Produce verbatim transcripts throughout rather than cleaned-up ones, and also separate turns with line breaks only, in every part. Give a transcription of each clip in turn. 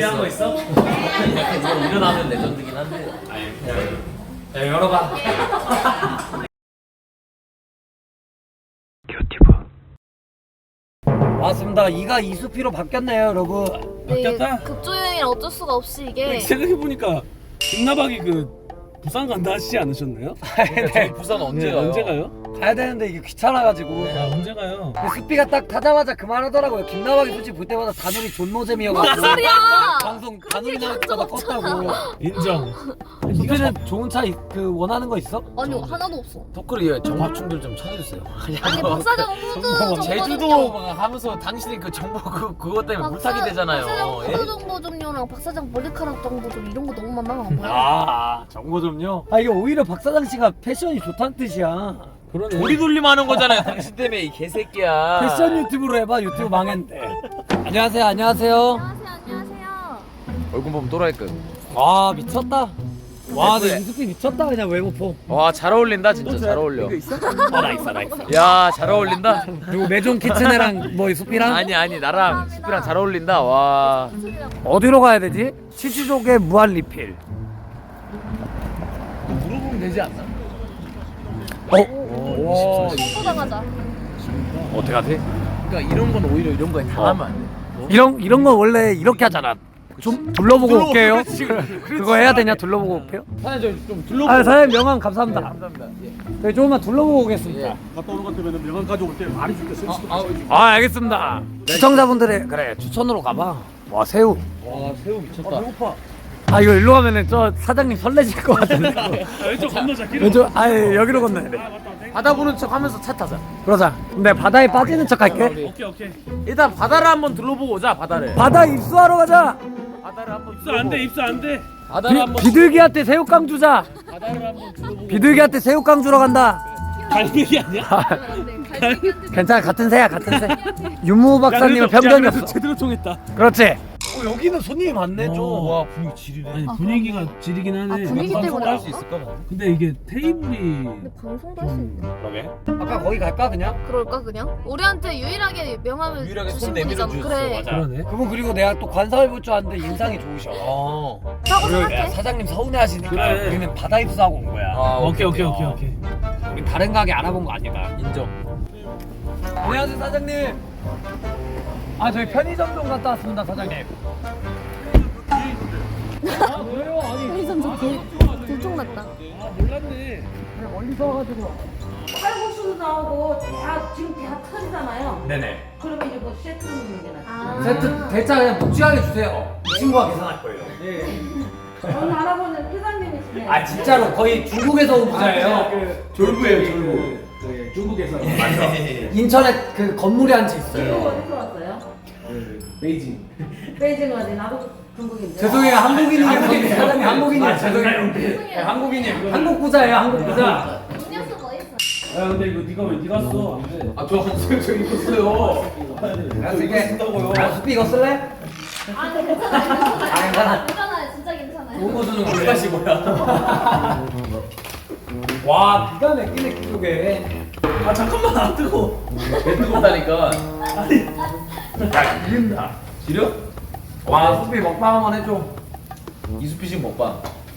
준비한 거 있어?
약간 이거 일어나면 레전드긴 한데.
야, 열어봐.
맞습니다. 이가 이수피로 바뀌었네요, 여러분.
바뀌었다?
급조여행이라 어쩔 수가 없이 이게
생각해보니까 김나박이 그 부산 간다 하시지 않으셨나요?
저희 부산 언제
네,
가요?
언제 가요?
가야 되는데 이게 귀찮아가지고.
아 언제 가요?
근데 수피가 딱 타자마자 그만하더라고요. 김나박이 솔직히 볼 때마다 다누리 존노잼이어가지고.
뭔 소리야?
방송 다누리 나올 때마다 껐다고.
인정.
수피는 좋은 차 그 원하는 거 있어?
아니 하나도 없어.
댓글에 정보충들 좀 찾아주세요.
아니 박사장 후드 정보
제주도
좀요.
막 하면서 당신이 그 정보 그 그것 때문에
박사-
물타기 되잖아요.
박사장
예?
후드 정보 좀요랑 박사장 머리카락 정보 좀 이런 거 너무 많아. 뭐야?
아, 정보 좀요? 아, 이게 오히려 박사장 씨가 패션이 좋다는 뜻이야.
그러네.
우리 돌림하는 거잖아요. 당신 때문에 이 개새끼야.
패션 유튜브로 해봐. 유튜브 망했는데. 안녕하세요, 안녕하세요.
안녕하세요, 안녕하세요.
얼굴 보면 또라이급.
와, 미쳤다. 와, 내
예쁘네.
이수피 미쳤다. 그냥 외모포.
와 잘 어울린다 진짜 잘 어울려.
아, 나 있어, 나 있어.
야 잘 어울린다.
그리고 메존 키친애랑 뭐 수피랑
아니 아니 나랑 수피랑 잘 어울린다. 와.
어디로 가야 되지? 치즈족의 무한 리필.
물어보면 되지 않나?
어?
와.
청소당하자.
어떻게 하지?
그러니까 이런 건 오히려 이런 거에 당하면 안 돼.
이런 이런 건 원래 이렇게 하잖아. 좀 둘러보고
둘러보고,
올게요.
그렇지, 그렇지.
그거 해야 되냐? 둘러보고 올게요.
사장님 좀 둘러보고.
아, 사장님 명함 감사합니다.
네, 감사합니다. 예.
저희 조금만 둘러보고 오겠습니다.
예.
갔다 오는 것 같으면 명함 가져올 때 말이 줄게.
아, 아,
아, 알겠습니다. 시청자분들의 그래 추천으로 가봐. 와, 새우.
와 새우 미쳤다.
배고파.
아, 이거 일로 가면은 저 사장님 설레실 것 같은데.
왼쪽 건너자. 길.
왼쪽 아, 예, 여기로 건너야 돼.
바다 보는 척 하면서 차 타자.
그러자. 근데 바다에 빠지는 척 할게.
오케이 오케이.
일단 바다를 한번 둘러보고 오자. 바다를.
바다 입수하러 가자.
바다를 한번
입수 안 돼. 입수 안 돼.
바다를
비,
한번
비둘기한테 새우깡 주자.
바다를 한번 둘러보고.
비둘기한테 새우깡 주러 간다.
갈매기 아니야?
괜찮아, 같은 새야, 같은 새. 윤무 박사님은 편견이 없어.
제대로 통했다.
그렇지. 어, 여기는 손님이 많네 좀.
와 분위기 지리네.
아니 분위기가 지리긴 하네.
아, 분위기 때문에
할수 있을까?
근데 이게 테이블이
근데 방송도 할 수 있네.
그러게.
아까 거기 갈까 그냥?
그럴까 그냥? 우리한테 유일하게 명함을
유일하게
주신
손 내밀어
분이잖아.
주셨어.
그래.
맞아.
그러네.
그분 그리고 내가 또 관상을 볼 줄 아는데 인상이 좋으셔.
어.
라고
그리고 야,
생각해.
사장님 서운해하시니까
그래.
우리는 바다 입수하고 온 거야.
아,
오케이 오케이 오케이 오케이.
우리 다른 가게 알아본 거 아니다.
인정.
안녕하세요 사장님. 아 저희 편의점 좀 갔다 왔습니다 사장님. 아 그래요? 아니
편의점 좀 들통났다.
아 몰랐네.
그냥 멀리서 와가지고.
칼국수도 나오고 다 지금 다 터지잖아요.
네네.
그러면 이제 뭐 세트 문제나.
아.
세트 대짜 그냥 묵직하게 주세요. 이 친구가 계산할 거예요.
저는 알아보는 회장님이시네.
아 진짜로 거의 중국에서 온 부자예요.
졸부예요 졸부. 네, 중국에서. 맞아.
인천에 그 건물에 앉아
지금
있어요.
어디서 왔어요?
베이징.
베이징 어디? 나도 중국인데.
죄송해요 한국인이에요. 사장님 한국인이에요. 죄송해요. 네, 한국인이에요. 한국 부자예요 한국 부자.
음료수 뭐 있어?
야 근데 이거 네가 왜 네가 써? 안 돼.
아저 한숨 저 입었어요.
이거 아, 수피 이거 쓸래?
아, 네, 괜찮아요.
아 괜찮아.
괜찮아요. 진짜 괜찮아요.
좋은 거 주는 거
물가시 뭐야?
와 기가 막히네 기록에.
아 잠깐만 안 뜨고.
배 뜨겁다니까.
야 기린다.
지려?
와 수피 먹방 한번 해줘.
이수피식 먹방.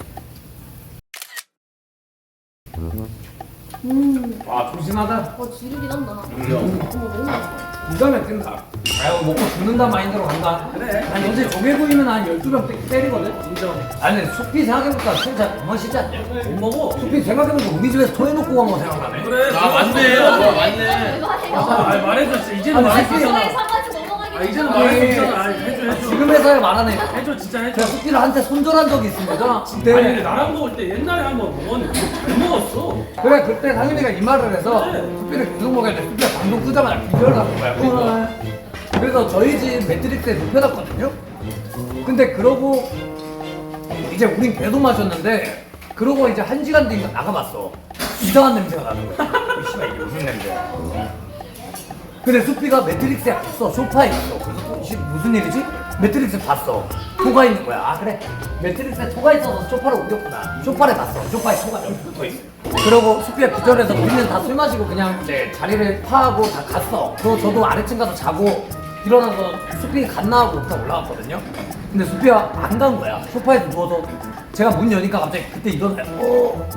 음.
와 조심하다.
어, 지르긴 한다.
인정.
어머, 너무 맛있어.
기가 막힌다. 아 이거 먹고 죽는다 마인드로 간다. 그래. 아니 어제 조개구이면 한 열두 병 때리거든. 인정. 아니 수피 생각해보니까 술 잘 못 마시지 않냐?
못 먹어.
수피 생각해보니까 우리 집에서 토해놓고 간 거 생각나네.
그래.
아 맞네. 와 맞네.
이거 하세요.
아 말해줬어. 이제는
아니,
말할 수
새끼.
있잖아.
저희 사과지 넘어가기
아 이제는
전에.
말할 수 있잖아. 아, 해줘 해줘.
지금 회사에 말하네.
해줘 진짜 해줘.
제가 수피를 한테 손절한 적이 있습니다.
아니 근데 나랑 먹을 때 옛날에 한번 먹었는데 잘 먹었어.
그래 그때 상윤이가 이 말을 해서 수피를 계속 먹어야 돼. 수피가 방송 끄자마자 기절을 하는 거야. 그러니까. 그래서 저희 집 매트릭스에 눕혀놨거든요. 근데 그러고 이제 우린 계속 마셨는데 그러고 이제 한 시간 뒤인가 나가봤어. 이상한 냄새가 나는 거야. 이 씨발 이게 무슨 냄새야. 근데 수피가 매트릭스에 갔어. 소파에 있어. 그래서 또 씨, 무슨 일이지? 매트릭스 봤어. 토가 있는 거야. 아 그래. 매트릭스에 토가 있어서 소파를 옮겼구나. 소파를 봤어. 소파에 토가 여기 붙어 있어. 그러고 수피가 기절해서 우리는 다 술 마시고 그냥 이제 자리를 파하고 다 갔어. 그리고 저도 아래층 가서 자고 일어나서 수피 갔나 하고 부터 올라왔거든요. 근데 수피가 안 간 거야. 소파에 누워서 제가 문 여니까 갑자기 그때 일어나요. 어,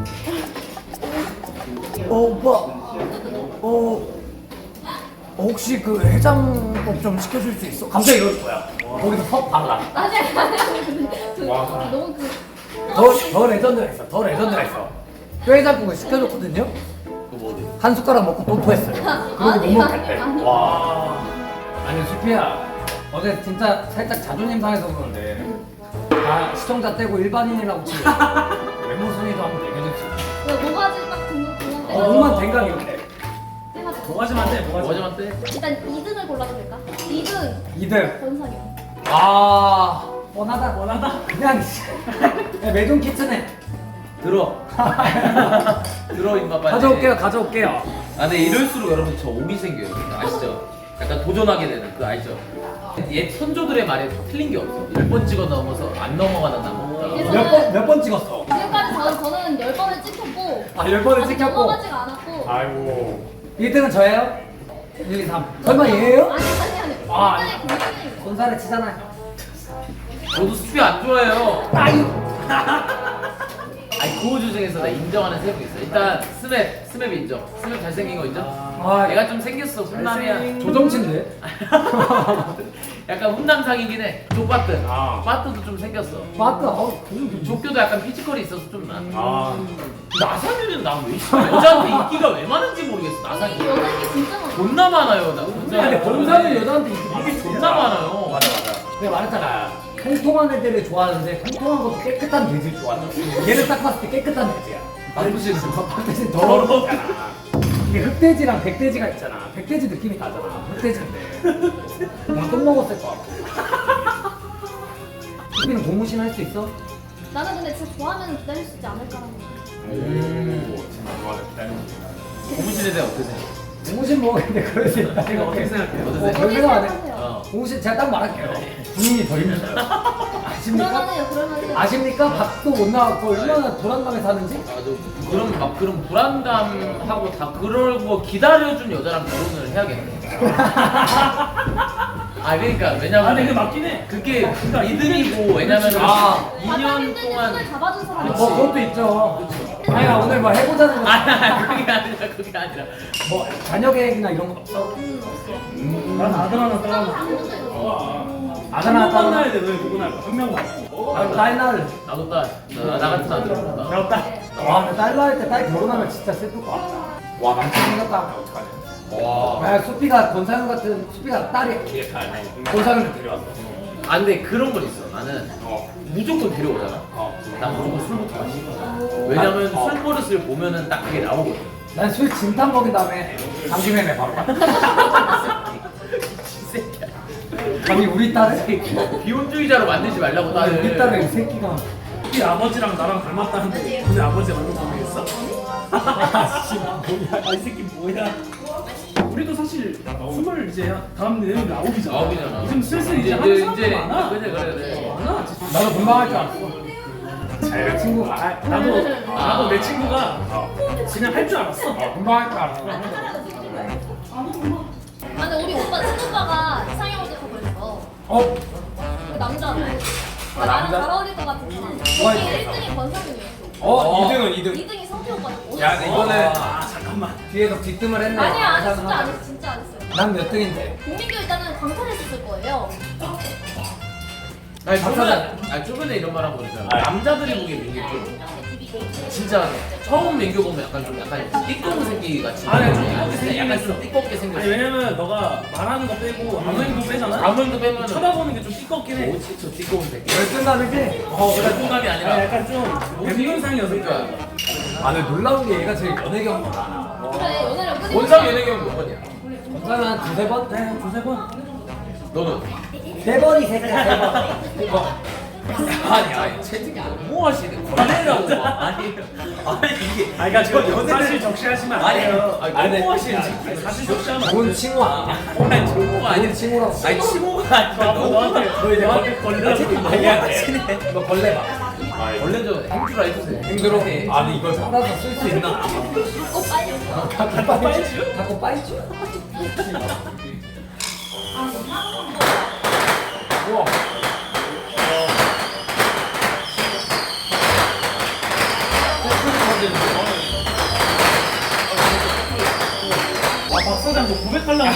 어 오빠, 어, 어 혹시 그 해장국 좀 시켜줄 수 있어? 갑자기 이러는 거야. 거기서 퍽 발라.
아니 아니 근데 그, 너무 그
더, 더 레전드가 있어. 더 레전드가 있어. 뼈해장국을 시켜줬거든요. 한 숟가락 먹고 또 토했어요. 그리고 못
아니,
먹겠대.
아니, 아니.
와. 아니 수피야, 어제 진짜 살짝 자존심 상해서 그러는데 다 시청자 떼고 일반인이라고 치고 외모 순위도 한번 얘기해줄 수 있어.
왜 모가지 딱 등급 등급
어, 몸만 댕강 이렇게.
뭐가지만 돼 뭐가지.
뭐하지만 때?
일단 이 등을 골라도 될까? 이 등
이 등.
권상영.
아, 뻔하다. 뻔하다. 그냥 야, 매종 키트네.
들어. 들어 임마 빨리.
가져올게요, 가져올게요.
아 근데 이럴수록 여러분 저 오비 생겨요. 아시죠? 약간 도전하게 되는 그 알죠? 옛 선조들의 말에 틀린 게 없어. 열 번 찍어 넘어서 안 넘어가는 나무.
그래서
몇 번, 몇 번 찍었어?
지금까지 저는 저는 열 번을 찍혔고
아, 열 번을
아직
찍혔고.
넘어가지가 않았고.
아이고. 일 등은 저예요? 일, 이, 삼. 설마 얘예요?
아니 아니 아니.
아,
굉장히 굉장히
손살에 치잖아요.
저도 수피 안 좋아해요.
아유.
아니 고우주 중에서 나 인정하는 세 명 있어. 일단 스맵, 스맵 인정. 스맵 잘생긴 거 인정.
아,
얘가 좀 생겼어. 훈남이야.
조정치인데?
약간 훈남상이긴 해. 조바트.
아.
바트도 좀 생겼어.
맞다. 어, 그
조교도 약간 피지컬이 있어서 좀 나.
아.
나상이는 난왜 여자한테 인기가 왜 많은지 모르겠어.
이
나상이.
여자 인기 진짜 많아.
존나 많아요. 나 진짜.
근데 본사는 여자한테 인기
이게 존나 많아요. 맞아 맞아.
내가 말했잖아. 통통한 애들을 좋아하는데 통통한 것도 깨끗한 돼지를 좋아한다. 얘는 딱 봤을 때 깨끗한 돼지야.
박부씨는
박돼지는 더러웠잖아. 이게 흑돼지랑 백돼지가 있잖아. 백돼지 느낌이 나잖아. 흑돼지인데. 뭔가 똥 먹었을 것 같고. 수비는 고무신 할 수 있어?
나는 근데 진짜 좋아하면 기다릴 수 있지 않을까라는 생각.
음. 고무신에 대해 어떠세요?
고무신 먹었는데 그럴 수 있다.
이거 어떻게 생각해요?
어,
어떠세요?
그런 생각 안 해.
생각하세요.
어.
고무신 제가 딱 말할게요. 군인이 더 힘들어요. 아십니까?
그럴만해요, 그럴만해요.
아십니까? 밥도 못 나왔고 얼마나 불안감에 사는지?
맞아. 그런 막 그런 불안감하고 다 그러고 기다려준 여자랑 결혼을 해야겠네. 아 그러니까
아 근데
왜냐면
그게 맞긴 해.
그게 믿음이고 왜냐면
아.
이 년 동안
손을 잡아준 사람이
뭐 그것도 있죠. 아니 오늘 뭐 해보자는 거.
아 그게 아니라 그게 아니라
뭐 자녀 계획이나 이런 건 없어?
음, 없어.
난 아들 하나
싸움
따라.
안 붙어요.
아들 하나
한 명만
따로.
낳아야 돼. 너희 누구 낳을 거야? 한 명만.
아, 딸 낳을.
나도 딸 나, 나 같은 아들 없다.
배웠다.
와, 근데 딸 낳을 때 딸 결혼하면 진짜 슬플 것 같다. 와, 남친 생겼다 하면 어떡하냐.
와.
아, 수피가 권상윤 같은 수피가 딸이야. 권상윤을 데려왔어.
아 근데 그런 건 있어. 나는
어.
무조건 데려오잖아.
어.
난 무조건 술부터 마시고. 왜냐면
어.
술 버릇을 보면은 딱 그게 나오거든.
난 술 진탕 먹인 다음에 당김에내 바로 가.
새끼야.
아니 우리 딸을
비혼주의자로 만들지 말라고 딸을.
우리 딸을 이 새끼가.
우리 아버지랑 나랑 닮았다는데 우리 아버지 완전 모르겠어? 아씨 뭐야? 아, 이 새끼 뭐야? 우리도 사실 스물 이제 다음 내년이 아홉이잖아.
아홉이잖아.
지금 슬슬 이제 하는
이제
사람도
이제
많아.
그래 그래 그래.
많아. 진짜.
나도 금방 할 줄 알았어. 내 친구가
아, 나도 나도 내 친구가 그냥 할 줄 알았어.
금방 할 줄 알았어.
아, 근데 우리 오빠 친오빠가 이상형 오직하고 있어.
어?
그 남자는.
아,
나랑
남자?
잘 어울릴 것 같은 사람.
뭐가
거기
있어?
일 등이 권상윤이었어.
어? 이 등은 이 등.
이 등이 성태 오빠였고.
야, 이거는
아 잠깐만.
뒤에서 뒷뜸을 했네.
아니야, 아니 진짜 안 했어, 진짜 안 했어요.
난 몇 등인데?
공민규 일단은 강탈했었을 거예요.
아니
박사장.
저번에 아니 저번에 이런 말 하고 그러잖아. 남자들이 보기에 민규 좀 진짜 처음 민규 보면 약간 좀 약간 띠꺼운 새끼 같이.
아니, 좀
약간
띠껍게
약간
생겼어.
좀 띠껍게 생겼어.
아니 왜냐면 너가 말하는 거 빼고 아무 행동 빼잖아.
아무 행동 빼면은
쳐다보는 게 좀 띠껍긴 해.
뭐지 저 띠꺼운 새끼.
열등감이지?
어 그래 공감이
아니,
아니라.
약간 좀 백면상이어서
그러니까
아, 근데 놀라운 게 얘가 제일 연애 경험이 많아.
그래, 연애를 끊임없이
원상 연예경 몇 번이야?
전사는 한 두세 번?
네, 두세 번.
너는?
세 번이 새끼야, 세 번. 세 번.
아니 아니 채팅이 너무 하시네. 걸레라고 막. 아니 아니 이게.
아니 그러니까 저 사실 적시하시면 안
아니
돼요.
아니
아니,
너무 하시는
아니,
채팅.
사실 적시하면 안
좋은
돼요.
친구 아니야?
아니 친구가 아니
좋은 친구라고.
아니 친구가 아니라
너 너한테 너 이제 너한테 걸리라고.
아니야.
너 벌레 봐.
원래 저 행주라 해주세요.
힘들어? 아니, 이걸 받아서 쓸 수 있나?
갖고 빨리.
갖고 빠이죠? 갖고 빠이죠? 우와.
하려고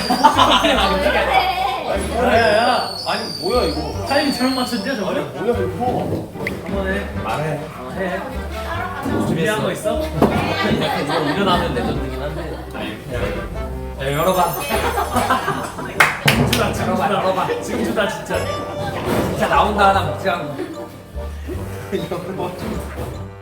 야야야
아니 뭐야 이거?
타이밍 잘못 맞췄냐 저거?
뭐야 이거?
한번 해
말해.
어, 해 준비한 거 있어?
이거 일어나면 레전드긴 한데.
야, 열어봐.
지금 주다 지금
열어봐,
주다
열어봐.
지금 주다 진짜
진짜 나온다 하나 먹지 않고.
이거 뭐 좀.